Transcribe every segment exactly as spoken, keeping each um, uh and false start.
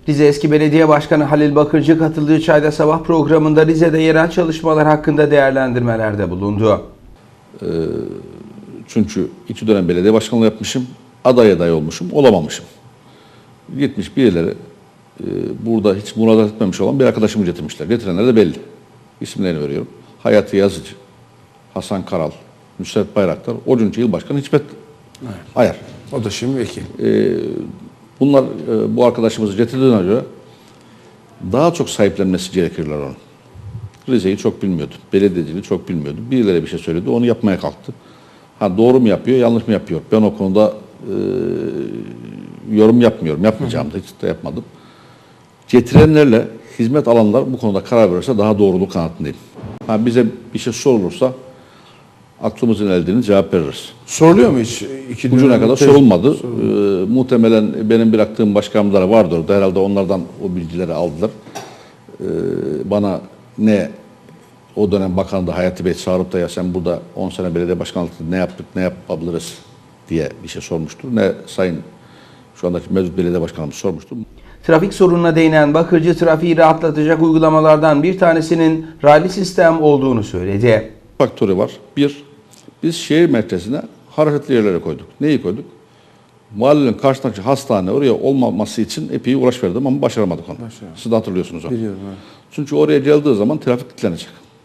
Rize Eski Belediye Başkanı Halil Bakırcı katıldığı Çayda Sabah programında Rize'de yerel çalışmalar hakkında değerlendirmelerde bulundu. Ee, çünkü iki dönem belediye başkanlığı yapmışım, aday aday olmuşum, olamamışım. Gitmiş birileri e, burada hiç müracaat etmemiş olan bir arkadaşımı getirmişler. Getirenler de belli. İsimlerini veriyorum. Hayati Yazıcı, Hasan Karal, Nusret Bayraktar, o günkü il başkanı Hikmet Evet. Ayar. O da şimdi vekil. Ee, bunlar e, bu arkadaşımızı getirdiğine göre daha çok sahiplenmesi gerekirler onun. Rize'yi çok bilmiyordu. Belediyeciliği çok bilmiyordu. Birileri bir şey söyledi, onu yapmaya kalktı. Ha doğru mu yapıyor, yanlış mı yapıyor? Ben o konuda e, yorum yapmıyorum. Yapmayacağım da hiç de yapmadım. Getirenlerle hizmet alanlar bu konuda karar verirse daha doğruluğu kanaatindeyim. Ha bize bir şey sorulursa aklımızın eldiğini cevap veririz. Soruluyor mu hiç? İki Ucuna kadar sorulmadı. Ee, muhtemelen benim bıraktığım başkanlara vardır orada. Herhalde onlardan o bilgileri aldılar. Ee, bana ne o dönem bakan da Hayati Bey çağırıp da ya sen burada on sene belediye başkanlığı ne yaptık, ne yapabiliriz diye bir şey sormuştur. Ne sayın şu andaki mevcut belediye başkanımız sormuştur. Trafik sorununa değinen Bakırcı, trafiği rahatlatacak uygulamalardan bir tanesinin raylı sistem olduğunu söyledi. Faktörü var. Bir, biz şehir merkezine hareketli yerlere koyduk. Neyi koyduk? Mahallenin karşısındaki hastane oraya olmaması için epey uğraş verdim ama başaramadık onu. Başaramadım. Siz de hatırlıyorsunuz onu. Biliyorum. Evet. Çünkü oraya geldiği zaman trafik kilitlenecek.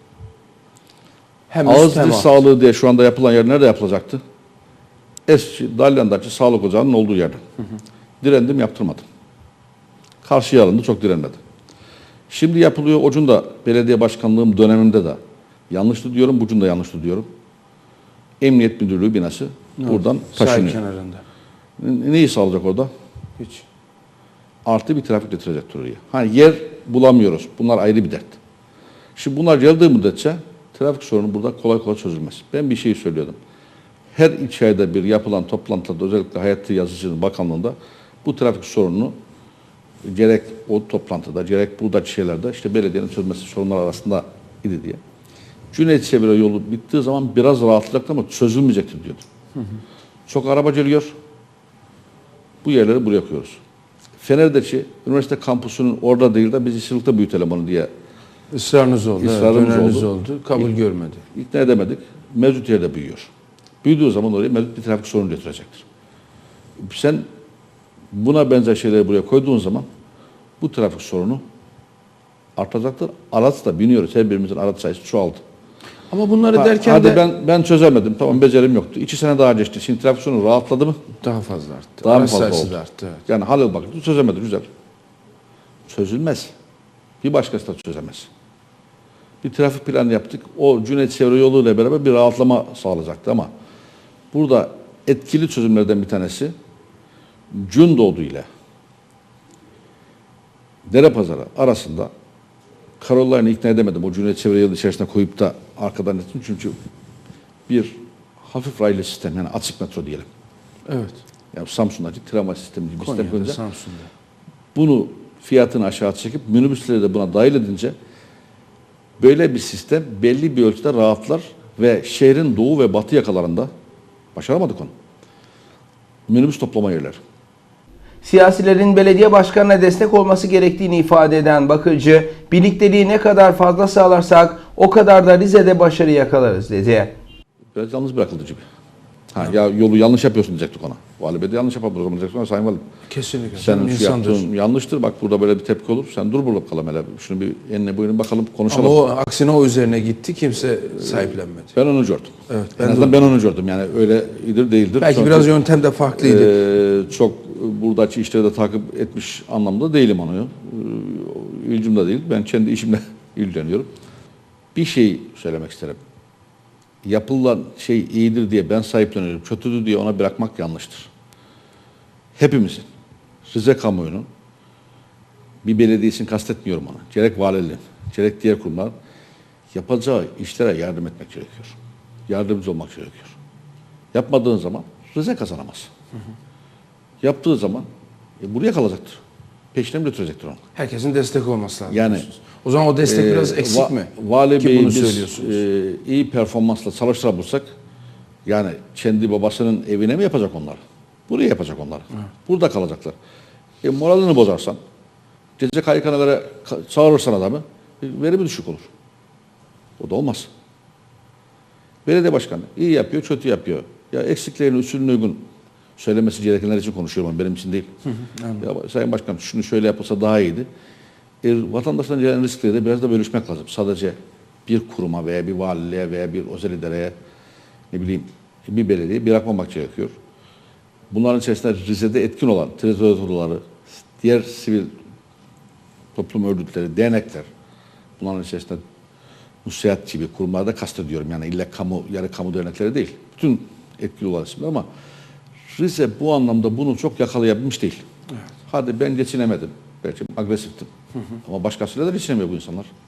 Hem Ağız üst hem dil alt. sağlığı diye şu anda yapılan yer nerede yapılacaktı? Eski Dalyan'daki sağlık ocağının olduğu yerde. Hı hı. Direndim, yaptırmadım. Karşıya alındı, çok direnmedi. Şimdi yapılıyor. Ocun da belediye başkanlığım döneminde de yanlıştı diyorum, bucun da yanlıştı diyorum. Emniyet Müdürlüğü binası Evet. buradan Sahil taşınıyor. kenarında. N- Neyi sağlayacak orada? Hiç. Artı bir trafik getirecektir oraya. Hani yer bulamıyoruz. Bunlar ayrı bir dert. Şimdi bunlar geldiği müddetçe trafik sorunu burada kolay kolay çözülmez. Ben bir şey söylüyordum. Her iki ayda bir yapılan toplantıda özellikle Hayati Yazıcı'nın bakanlığında bu trafik sorununu gerek o toplantıda gerek buradaki şeylerde işte belediyenin çözmesi sorunlar arasında idi diye. Cüneyt Çevre yolu bittiği zaman biraz rahatlayacaktı ama çözülmeyecektir diyordu. Hı hı. Çok araba geliyor. Bu yerleri buraya koyuyoruz. Fener'deki üniversite kampüsünün orada değil de biz İşçilik'te büyütelim onu diye Israrınız oldu. ısrarımız evet, oldu. oldu. Kabul İk- görmedi. İkna edemedik. Mevcut yerde büyüyor. Büyüdüğü zaman oraya mevcut bir trafik sorunu getirecektir. Sen buna benzer şeyleri buraya koyduğun zaman bu trafik sorunu artacaktır. Araç da biniyoruz. Her birimizin araç sayısı çoğaldı. Ama bunları Ha, derken hadi de ben ben çözemedim. Tamam becerim yoktu. İki sene daha geçti. Şimdi trafik sorunu rahatladı mı? daha fazla arttı. Daha mı Araç fazla sayısı oldu? da arttı. Evet. Yani Halil Bakırcı çözemedi. Güzel. Çözülmez. Bir başkası da çözemez. Bir trafik planı yaptık. O Cüneyt Çevre yolu ile beraber bir rahatlama sağlayacaktı ama burada etkili çözümlerden bir tanesi Gündoğdu ile Derepazarı arasında Karollarını ikna edemedim. O Cüneyt Çevre yolu içerisine koyup da arkadan ettim. Çünkü bir hafif raylı sistem yani açık metro diyelim. Evet. Yani Samsun'daki tramvay sistemi gibi bir sistem Konya'da, koyunca Samsun'da. bunu fiyatını aşağı çekip minibüsleri de buna dahil edince böyle bir sistem belli bir ölçüde rahatlar ve şehrin doğu ve batı yakalarında başaramadık onu. Minibüs toplama yerleri. Siyasilerin belediye başkanına destek olması gerektiğini ifade eden Bakırcı, birlikteliği ne kadar fazla sağlarsak o kadar da Rize'de başarı yakalarız dedi. Biraz yalnız bırakıldı gibi. Ha, ya yolu yanlış yapıyorsun diyecektik ona. Vali Bey de yanlış yapar o zaman diyecektik ona. Sayın Valim. Kesinlikle. Senin şu İnsandır. yaptığın yanlıştır. Bak burada böyle bir tepki olur. Sen dur burada bakalım hele. Şunu bir enine boyuna bakalım konuşalım. Ama o aksine o üzerine gitti. Kimse sahiplenmedi. Ben onu gördüm. Evet, En ben azından ben onu gördüm. Yani öyle iyidir değildir. Belki Çünkü, biraz yöntem de farklıydı. e, çok buradaki işleri de takip etmiş anlamda değilim onu. E, ilgim de değil. Ben kendi işimle ilgileniyorum. Bir şey söylemek isterim. Yapılan şey iyidir diye ben sahipleniyorum. Kötüdür diye ona bırakmak yanlıştır. Hepimizin, Rize kamuoyunun bir belediyesini kastetmiyorum ona. Gerek valiliğin, gerek diğer kurumlar yapacağı işlere yardım etmek gerekiyor. Yardımcı olmak gerekiyor. Yapmadığın zaman Rize kazanamaz. Hı hı. Yaptığı zaman e, buraya kalacaktır. Peşine mi götürecektir onu? Herkesin destek olması lazım. Yani o zaman o destek e, biraz eksik va- mi? Vali Ki Bey'i bunu biz söylüyorsunuz. e, iyi performansla çalıştırabilirsek yani kendi babasının evine mi yapacak onları? Buraya yapacak onları. Hı. Burada kalacaklar. E, moralini bozarsan Ceza K Y K'na göre ka- çağırırsan adamı, verimi düşük olur. O da olmaz. Belediye başkanı iyi yapıyor, kötü yapıyor. Ya eksiklerini usulüne uygun söylemesi gerekenler için konuşuyorum, benim için değil. Ya, Sayın Başkan şunu şöyle yapılsa daha iyiydi. E, vatandaştan gelen riskleri de biraz da bölüşmek lazım. Sadece bir kuruma veya bir valiliğe veya bir özel idareye, ne bileyim bir belediyeye bırakmamak gerekiyor. Bunların içerisinde Rize'de etkin olan teritoryaları, diğer sivil toplum örgütleri, dernekler, bunların içerisinde Nusret gibi kurumlarda kastediyorum. Yani illa kamu, yarı kamu dernekleri değil. Bütün etkili olan isimler ama Rize bu anlamda bunu çok yakalayabilmiş değil. Evet. Hadi ben geçinemedim. Belki agresiftim. Hı hı. Ama başkasıyla da geçinemiyor bu insanlar.